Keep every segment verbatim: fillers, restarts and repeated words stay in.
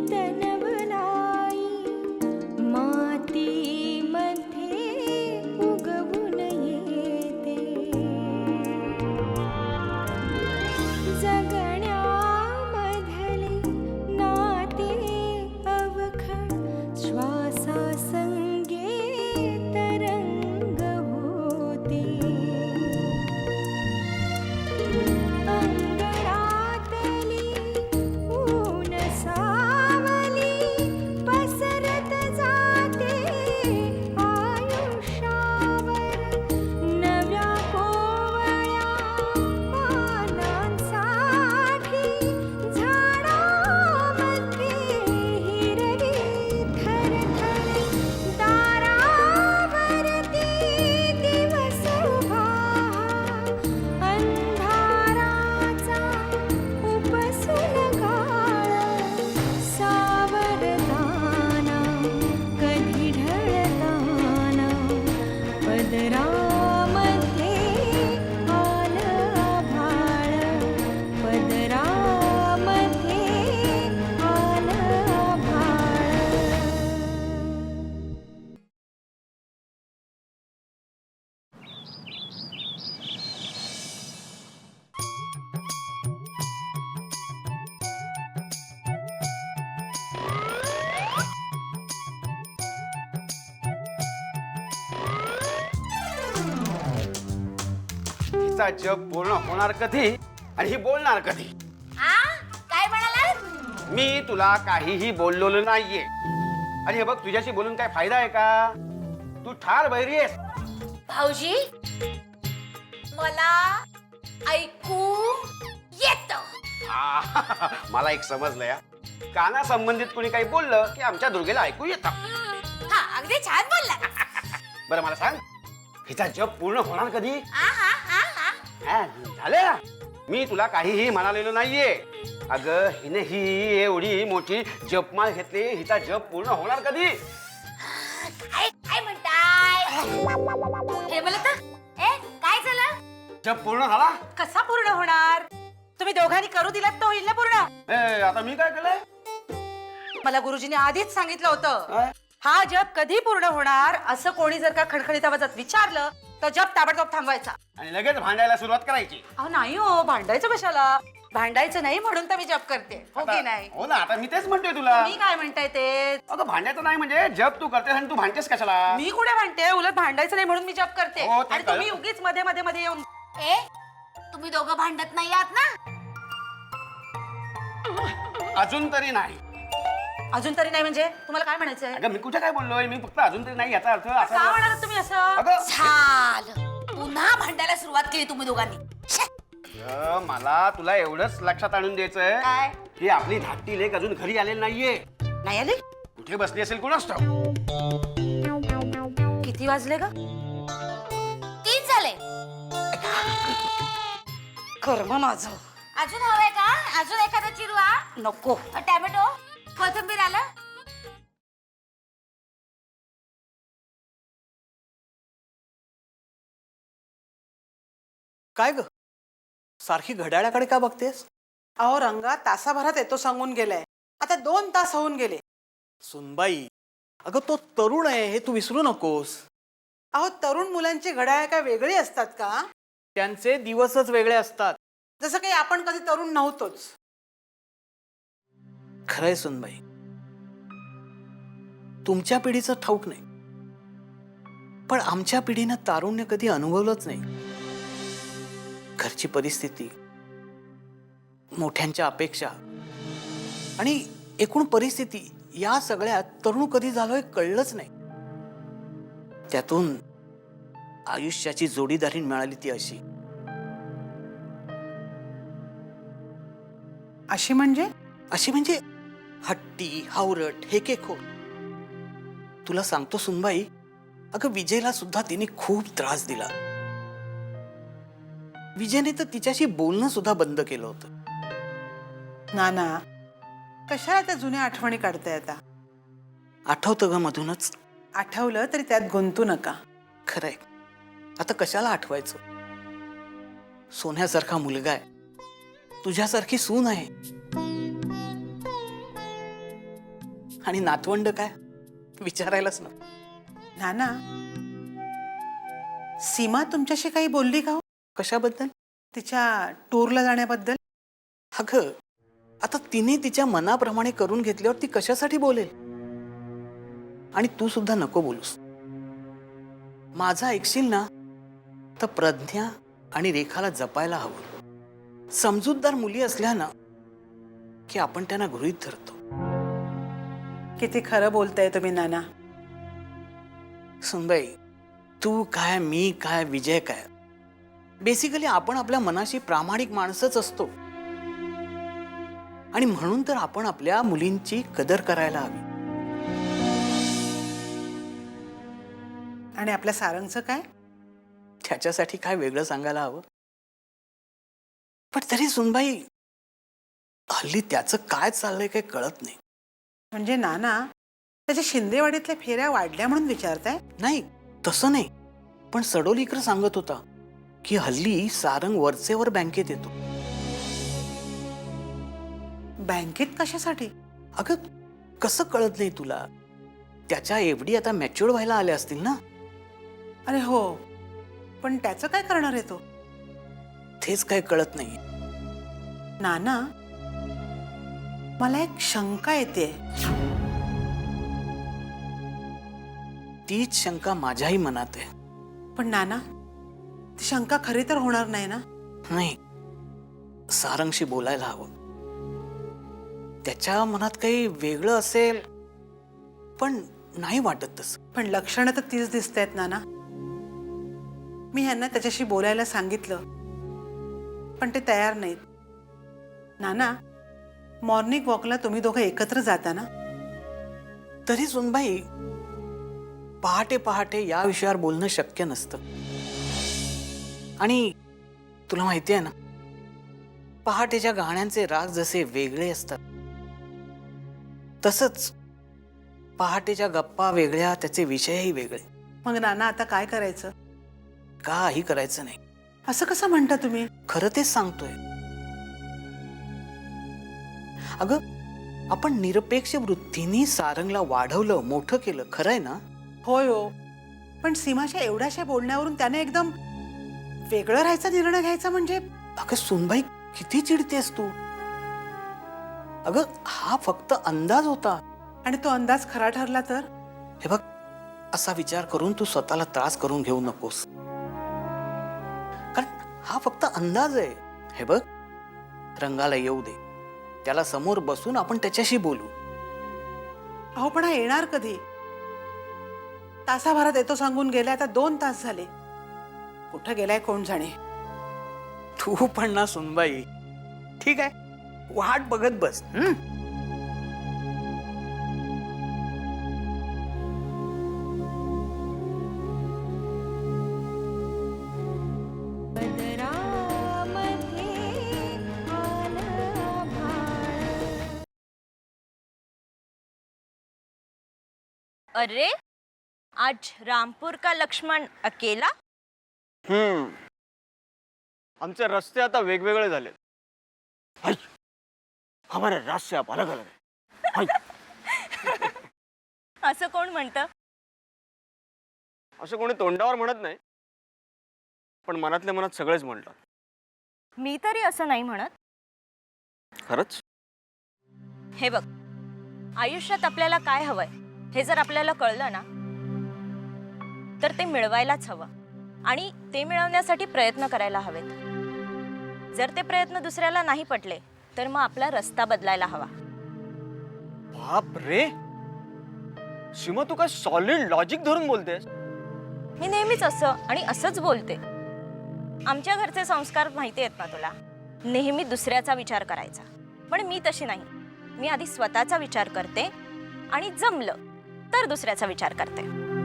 हिचा जग पूर्ण होणार कधी आणि ही बोलणार कधी? काय म्हणाला? मी तुला काहीही बोललेलो नाहीये. आणि हे बघ, तुझ्याशी बोलून काय फायदा आहे का? तू ठार बहिरी आहेस. भाऊजी, मला ऐकू येत. मला एक समजलं या, काना संबंधित कोणी काही बोललं की आमच्या दुर्गेला ऐकू येतं. हा, अगदी छान बोलला. बरं मला सांग, हिचा जग पूर्ण होणार कधी? हा हा हा हा हा, झालं. मी तुला काहीही म्हणालेलो नाहीये. अगं, हिने ही एवढी मोठी जपमाळ घेतली, हिचा जप पूर्ण होणार कधी? काय काय म्हणताय? हे बोलत ए काय झालं? जप पूर्ण झाला? कसा पूर्ण होणार? तुम्ही दोघांनी करू दिलात तो होईल ना पूर्ण. ए, आता मी काय केलंय? मला गुरुजींनी आधीच सांगितलं होतं, काय? हा जप कधी पूर्ण होणार असं कोणी जर का खडखडीत आवाजात विचारलं तर जप ताबडतोब थांबवायचा आणि लगेच भांडायला सुरुवात करायची. अहो नाही हो, भांडायचं कशाला? भांडायचं नाही म्हणून तर मी जप करते, हो की आता- नाही? हो ना, आता मी तेच म्हणतोय तुला. मी काय म्हणताय ते? अगं, भांडायचं नाही म्हणजे जप तू करतेस आणि तू भांडतेस कशाला? मी कुठे भांडते? उलट भांडायचं नाही म्हणून मी जप करते. हो, ते आणि कळलं. तुम्ही उगीच मध्ये मध्ये मध्ये येऊन ए तुम्ही दोघं भांडत नाही आहात ना? अजून तरी नाही. अजून तरी नाही म्हणजे तुम्हाला काय म्हणायचंय? अगं, मी कुठे काय बोललोय? मी फक्त अजून तरी नाही याचा अर्थ का असा. म्हणालात तुम्ही असं? अगं, झालं, पुन्हा भांडायला सुरुवात केली तुम्ही दोघांनी. अगं, मला तुला एवढंच लक्षात आणून द्यायचंय काय? की आपली धाकटी लेक अजून घरी आलेली नाहीये. नाही आले? कुठे बसली असेल कोणास ठाऊक. किती वाजले ग? तीन झाले. कर्म माझं. अजून हवंय का? अजून एखादा चिरवा? नको. टॅमॅटो, कोथिंबीर आलं? काय ग, सारखी घड्याळाकडे का बघतेस? अहो रंगा तासाभरात येतो सांगून गेलाय, आता दोन तास होऊन गेले. सुनबाई, अगं तो तरुण आहे हे तू विसरू नकोस. अहो तरुण मुलांची घड्याळ काय वेगळी असतात का? त्यांचे दिवसच वेगळे असतात. जसं काही आपण कधी तरुण नव्हतोच. खरंय सुनबाई, तुमच्या पिढीचं ठाऊक नाही, पण आमच्या पिढीनं तारुण्य कधी अनुभवलंच नाही. घरची परिस्थिती, मोठ्यांच्या अपेक्षा आणि एकूण परिस्थिती या सगळ्यात तरुण कधी झालोय कळलंच नाही. त्यातून आयुष्याची जोडीदारी मिळाली ती अशी. अशी म्हणजे? अशी म्हणजे हट्टी, हावरट, हेकेखोर. तुला सांगतो सुनबाई, अगं विजयला सुद्धा तिने खूप त्रास दिला. विजयने तर तिच्याशी बोलणं सुद्धा बंद केलं होतं. नाना, कशाला त्या जुन्या आठवणी काढताय आता? आठवतं ग मधूनच. आठवलं तरी त्यात गुंतू नका. खरंय, आता कशाला आठवायचं? सोन्यासारखा मुलगा आहे, तुझ्यासारखी सून आहे. आणि नातवंड काय विचारायलाच ना. नाना, सीमा तुमच्याशी काही बोलली का हो? कशाबद्दल? तिच्या टूरला जाण्याबद्दल? अगं आता तिने तिच्या मनाप्रमाणे करून घेतल्यावर ती कशासाठी बोलेल? आणि तू सुद्धा नको बोलूस. माझा ऐकशील ना तर प्रज्ञा आणि रेखाला जपायला हवं. समजूतदार मुली असल्या ना की आपण त्यांना गृहीत धरतो. किती खरं बोलताय तुम्ही नाना. सुनबाई, तू काय, मी काय, विजय काय, बेसिकली आपण आपल्या मनाशी प्रामाणिक माणसंच असतो. आणि म्हणून तर आपण आपल्या मुलींची कदर करायला हवी. आणि आपल्या सारंगचं काय? त्याच्यासाठी काय वेगळं सांगायला हवं? पण तरी सुनबाई, हल्ली त्याचं काय चाललंय काही कळत नाही. म्हणजे नाना, त्याच्या शिंदेवाडीतल्या फेऱ्या वाढल्या म्हणून विचारताय? नाही तसं नाही, पण सडोलीकर सांगत होता की हल्ली सारंग वरचेवर बँकेत येतो. बँकेत कशासाठी? अगं कसं कळत नाही तुला? त्याच्या एवढी आता मॅच्युअर व्हायला आल्या असतील ना. अरे हो, पण त्याचं काय करणार आहे तो? तेच काय कळत नाही. नाना, मला एक शंका येते. तीच शंका माझ्याही मनात आहे. पण नाना, ती शंका खरी तर होणार नाही ना? नाही, सारंगशी बोलायला हवं. त्याच्या मनात काही वेगळं असेल, पण नाही वाटत तसं. पण लक्षणं तर तीच दिसत आहेत नाना. मी ह्यांना त्याच्याशी बोलायला सांगितलं, पण ते तयार नाहीत. नाना, मॉर्निंग वॉकला तुम्ही दोघं एकत्र जाता ना? तरी सुनबाई, पहाटे पहाटे या विषयावर बोलणं शक्य नसतं. आणि तुला माहिती आहे ना, पहाटेच्या गाण्यांचे राग जसे वेगळे असतात, तसंच पहाटेच्या गप्पा वेगळ्या, त्याचे विषयही वेगळे. मग नाना, आता काय करायचं? काही करायचं नाही. असं कसं म्हणता तुम्ही? खरं तेच सांगतोय. अगं, आपण निरपेक्ष वृत्तीने सारंगला वाढवलं, मोठं केलं, खरं आहे ना? होय हो, पण सीमाच्या एवढ्याशा बोलण्यावरून त्याने एकदम वेगळं राहायचा निर्णय घ्यायचा म्हणजे? अगं सुनबाई, किती चिडतेस तू? अगं हा फक्त अंदाज होता. आणि तो अंदाज खरा ठरला तर? हे बघ, असा विचार करून तू स्वतःला त्रास करून घेऊ नकोस, कारण हा फक्त अंदाज आहे. हे बघ, रंगाला येऊ दे, त्याला समोर बसून आपण त्याच्याशी बोलू. अहो पण हा येणार कधी? तासाभरात येतो सांगून गेला, आता दोन तास झाले. कुठं गेलाय कोण जाणे. तू पण ना सुनबाई, ठीक आहे, वाट बघत बस. हं? अरे, आज रामपुर का लक्ष्मण अकेला? हम्म आमचे रस्ते आता वेगवेगळे झाले. हमारे रास्ते अब अलग अलग है. असं कोण म्हणतं? असं कोणी तोंडावर म्हणत नाही, पण मनातल्या मनात सगळेच म्हणतात. मी तरी असं नाही म्हणत. खरंच? हे बघ, आयुष्यात आपल्याला काय हवंय हे जर आपल्याला कळलं ना, तर ते मिळवायलाच हवं. आणि ते मिळवण्यासाठी प्रयत्न करायला हवेत. जर ते प्रयत्न दुसऱ्याला नाही पटले तर मग आपला रस्ता बदलायला हवा. बाप रे, सीमा तू काय सॉलिड लॉजिक धरून बोलतेस? मी नेहमीच असं आणि असंच बोलते. आमच्या घरचे संस्कार माहिती आहेत ना तुला, नेहमी दुसऱ्याचा विचार करायचा. पण मी तशी नाही. मी आधी स्वतःचा विचार करते आणि जमलं तर दुसऱ्याचा विचार करते.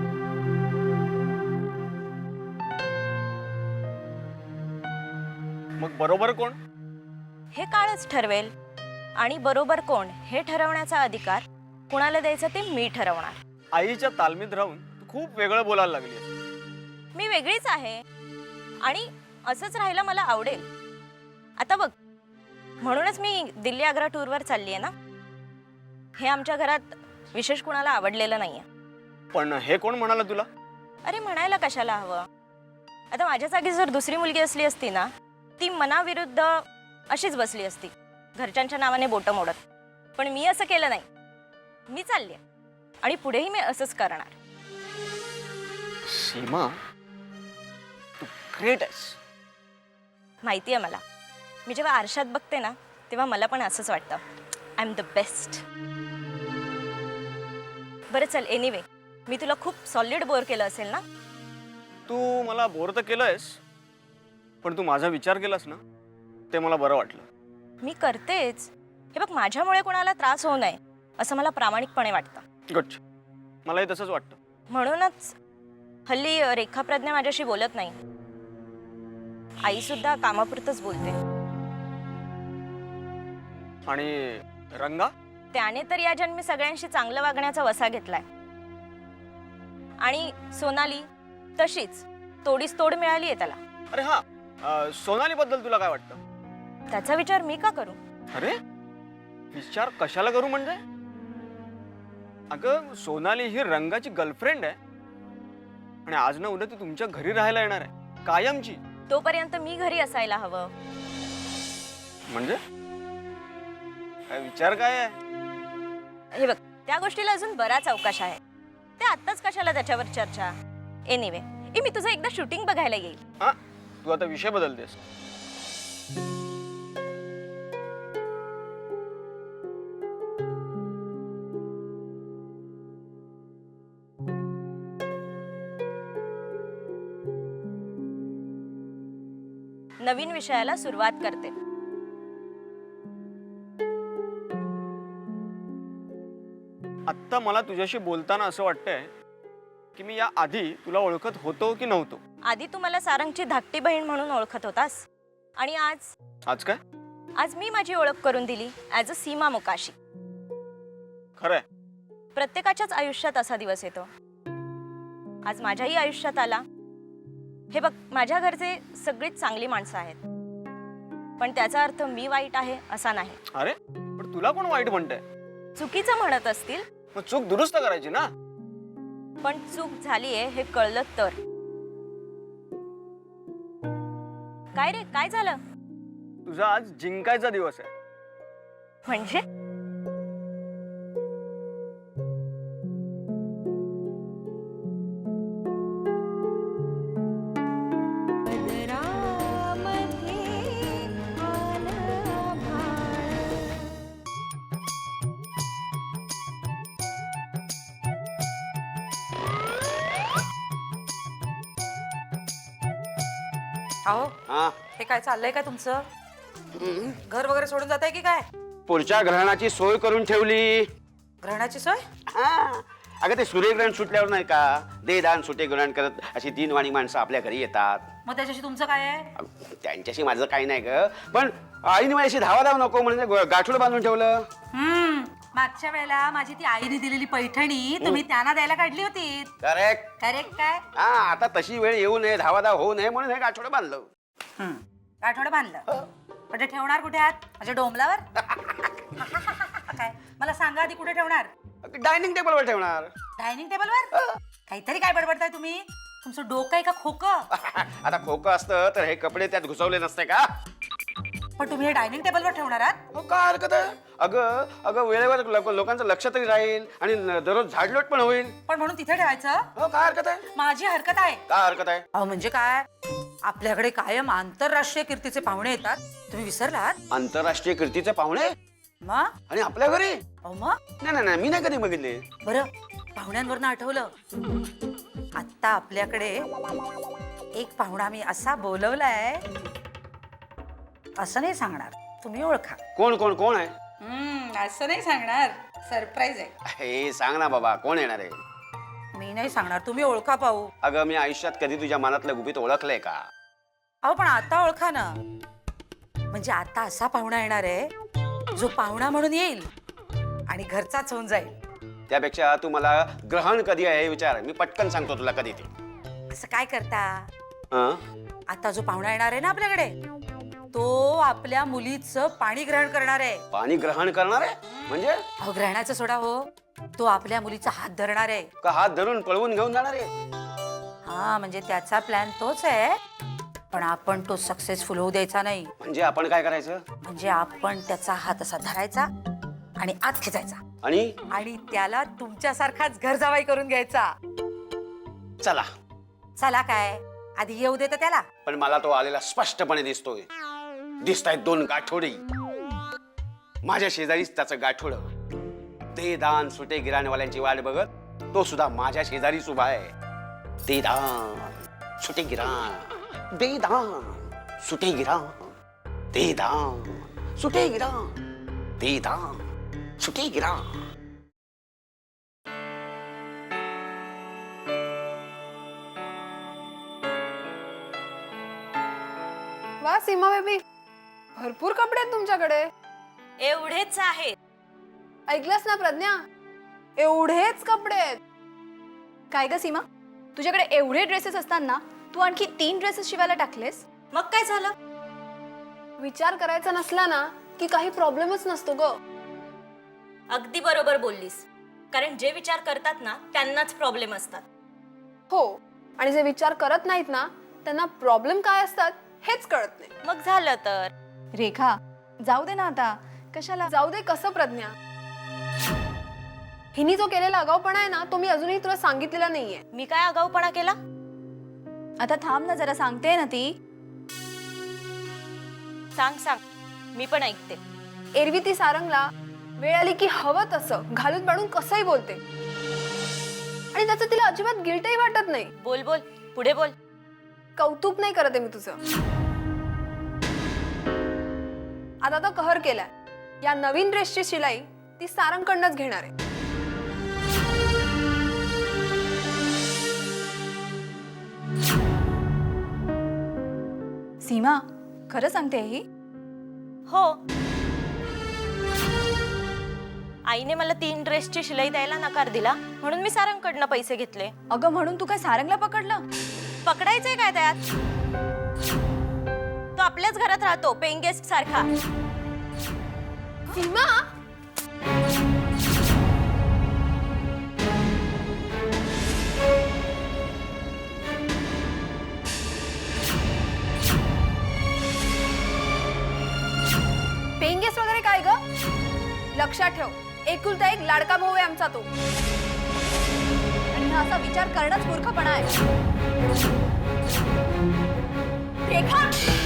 मग बरोबर कोण? हे काळच ठरवेल. आणि बरोबर कोण हे ठरवण्याचा अधिकार कुणाला द्यायचा ते मी ठरवणार. आईच्या तालमीत राहून तू खूप वेगळं बोलायला लागली. मी वेगळीच आहे आणि असंच राहायला मला आवडेल. आता बघ, म्हणूनच मी दिल्ली आग्रा टूरवर चालली आहे ना. हे आमच्या घरात विशेष कुणाला आवडलेलं नाहीये. पण हे कोण म्हणाला तुला? अरे म्हणायला कशाला हवं? आता माझ्या जागी जर दुसरी मुलगी असली असती ना, ती मनाविरुद्ध अशीच बसली असती, घरच्यांच्या नावाने बोटं मोडत. पण मी असं केलं नाही. मी चालले आणि पुढेही मी असंच करणार. सीमा, तू ग्रेट आहेस. माहिती आहे मला. मी जेव्हा आरशात बघते ना, तेव्हा मला पण असंच वाटतं, आय एम द बेस्ट. बरं चल, एनिवे मी तुला खूप सॉलिड बोर केलं असेल ना? तू मला बोर तर केलंयस, पण तू माझा विचार केलास ना, ते मला बरं वाटलं. मी करतेच. हे बघ, माझ्यामुळे कोणाला त्रास होऊ नये असं मला प्रामाणिकपणे वाटतं. गुड. मलाही तसंच वाटतं. म्हणूनच हल्ली रेखा प्रज्ञा माझ्याशी बोलत नाही. आई सुद्धा कामापुरतच बोलते. आणि रंगा? त्याने तर या जन्मी सगळ्यांशी चांगलं वागण्याचा वसा घेतलाय. आणि सोनाली तशीच तोडीस तोड मिळाली आहे त्याला. अरे हा, अं, सोनाली बद्दल तुला काय वाटतं? त्याचा विचार मी का करू? अरे विचार कशाला करू म्हणजे? अगं, सोनाली ही रंगाची गर्लफ्रेंड आहे आणि आज ना उद्या ती तुमच्या घरी राहायला येणार आहे, कायमची. तोपर्यंत मी घरी असायला हवं. म्हणजे काय विचार काय आहे? हे बघ, त्या गोष्टीला अजून बराच अवकाश आहे. ते आत्ताच कशाला त्याच्यावर चर्चा? एनिवे, मी तुझं एकदा शूटिंग बघायला येईल. हा, तू आता विषय बदलतेस. नवीन विषयाला सुरुवात करते. आत्ता मला तुझ्याशी बोलताना असं वाटतंय की मी या आधी तुला ओळखत होतो की नव्हतो. आधी तू मला सारंगची धाकटी बहीण म्हणून ओळखत होतास आणि आज आज काय? आज मी माझी ओळख करून दिली ॲज अ सीमा मोकाशी. खरंय? प्रत्येकाच्याच आयुष्यात असा दिवस येतो. आज माझ्याही आयुष्यात आला. हे बघ, माझ्या घरचे सगळीच चांगली माणसं आहेत, पण त्याचा अर्थ मी वाईट आहे असा नाही. अरे पण तुला कोण वाईट म्हणतंय? चुकीचं म्हणत असतील, मग चूक दुरुस्त करायची ना. पण चूक झालीये हे कळलं तर. काय रे, काय झालं? तुझा आज जिंकायचा दिवस आहे. म्हणजे अहो, हा, हे काय चाललंय काय तुमचं? घर वगैरे सोडून जात आहे की काय? पुढच्या ग्रहणाची सोय करून ठेवली. ग्रहणाची सोय? हा, अगं ते सूर्यग्रहण सुटल्यावर नाही का, देदान सुटे ग्रहण करत अशी तीन माणसं आपल्या घरी येतात. मग त्याच्याशी तुमचं काय आहे? अगं, त्यांच्याशी माझं काही नाही ग, पण आईने माझ्याशी धावा धाव नको म्हणजे ग- गाठोडं बांधून ठेवलं. हम्म, मागच्या वेळेला माझी ती आईने दिलेली पैठणी तुम्ही त्यांना द्यायला काढली होती. करेक्ट. करेक्ट काय? हा, आता तशी वेळ येऊ नये, धावाधाव होऊ नये म्हणून हे गाठोडं बांधलं. हम्म, आठवडं बांधलं. पण ते ठेवणार कुठे आहात? माझ्या डोंबलावर? काय मला सांगा आधी, कुठे ठेवणार? डायनिंग टेबलवर ठेवणार. डायनिंग टेबलवर? काहीतरी काय बडबडताय तुम्ही? तुमचं डोकं आहे का खोकं? आता खोकं असतं तर हे कपडे त्यात घुसवले नसते का? पण तुम्ही हे डायनिंग टेबलवर ठेवणार आहात? हो, काय हरकत आहे? अगं अगं वेळेवर लोक- लोकांचं लक्ष तरी राहील आणि न- दररोज झाडलोट पण होईल. पण म्हणून तिथे ठेवायचं? हो, काय हरकत आहे? माझी हरकत आहे. काय हरकत आहे? अहो म्हणजे काय, आपल्याकडे कायम आंतरराष्ट्रीय कीर्तीचे पाहुणे येतात, तुम्ही विसरलात? आंतरराष्ट्रीय कीर्तीचे पाहुणे मग? आणि आपल्या घरी? अहो मग नाही नाही नाही, मी नाही कधी बघितले. बरं, पाहुण्यांवरनं आठवलं, आत्ता आपल्याकडे एक पाहुणा मी असा बोलवलाय, असं नाही सांगणार, तुम्ही ओळखा. कोण कोण कोण आहे? हम्म, असं नाही सांगणार, सरप्राईज आहे. हे सांग ना बाबा, कोण येणार आहे? मी नाही सांगणार, तुम्ही ओळखा पाहू. अगं मी आयुष्यात कधी तुझ्या मनातलं गुपित ओळखलंय का? अहो पण आता ओळखा ना. म्हणजे आता असा पाहुणा येणार आहे जो पाहुणा म्हणून येईल आणि घरचाच होऊन जाईल. त्यापेक्षा तू मला ग्रहण कधी आहे हे विचार, मी पटकन सांगतो तुला कधी ते. असं काय करता, हं? आता जो पाहुणा येणार आहे ना आपल्याकडे, तो आपल्या मुलीचं पाणी ग्रहण करणार आहे. पाणी ग्रहण करणार आहे म्हणजे अहो ग्रहणाचं सोडा हो, तो आपल्या मुलीचा हात धरणार आहे. का हात धरून पळवून घेऊन जाणार आहे? हा म्हणजे त्याचा प्लॅन तोच आहे, पण आपण तो सक्सेसफुल होऊ द्यायचा नाही. म्हणजे आपण काय करायचं? म्हणजे आपण त्याचा हात असा धरायचा आणि आत खेचायचा आणि आणि त्याला तुमच्यासारखाच घर जावाई करून घ्यायचा. चला. चला काय, आधी येऊ देत त्याला. पण मला तो आलेला स्पष्टपणे दिसतोय. दिसतायत दोन गाठोडी. माझ्या शेजारीच त्याचं गाठोड. ते दान सुटे गिराणवाल्यांची वाट बघत तो सुद्धा माझ्या शेजारीच उभा आहे. ते दान सुटे गिराण, दे दान सुटे गिराण, दे दान सुटे गिराण, दे दान सुटे गिराण. वा सीमा बेबी, भरपूर कपडे आहेत तुमच्याकडे. एवढेच आहेत. ऐकलंस ना प्रज्ञा, एवढेच कपडे आहेत. काय ग सीमा, तुझ्याकडे एवढे ड्रेसेस असताना तू आणखी तीन ड्रेसेस शिवायला टाकलेस? मग काय झालं? विचार करायचा नसला ना की काही प्रॉब्लेमच नसतो ग. अगदी बरोबर बोललीस, कारण जे विचार करतात ना त्यांनाच प्रॉब्लेम असतात. हो, आणि जे विचार करत नाहीत ना त्यांना प्रॉब्लेम काय असतात हेच कळत नाही. मग झालं तर रेखा, जाऊ दे ना आता, कशाला? जाऊ दे कसं प्रज्ञा, हिनी जो केलेला आगाऊपणा आहे ना तो मी अजूनही तुला सांगितलेला नाहीये. मी काय आगाऊपणा केला? आता थांब ना जरा, सांगते ना ती. सांग सांग, मी पण ऐकते. एरवी ती सारंगला वेळ आली की हवं तसं घालून पाडून कसंही बोलते, आणि त्याचं तिला अजिबात गिल्टही वाटत नाही. बोल बोल, पुढे बोल. कौतुक नाही करत आहे मी तुझं. आता तो कहर केलाय, या नवीन ड्रेसची शिलाई ती सारंगकडनंच घेणार आहे. सीमा, खरं सांगते ही? हो, आईने मला तीन ड्रेसची शिलाई द्यायला नकार दिला म्हणून मी सारंगकडनं पैसे घेतले. अगं म्हणून तू काय सारंगला पकडलं? पकडायचंय काय त्यात? तो आपल्याच घरात राहतो पेइंग गेस्ट सारखा. सीमा, पेइंग गेस्ट वगैरे काय ग? लक्षात ठेव, एकुलता एक लाडका भाऊ आहे आमचा तो. आणि हा असा विचार करणंच मूर्खपणा आहे. रेखा,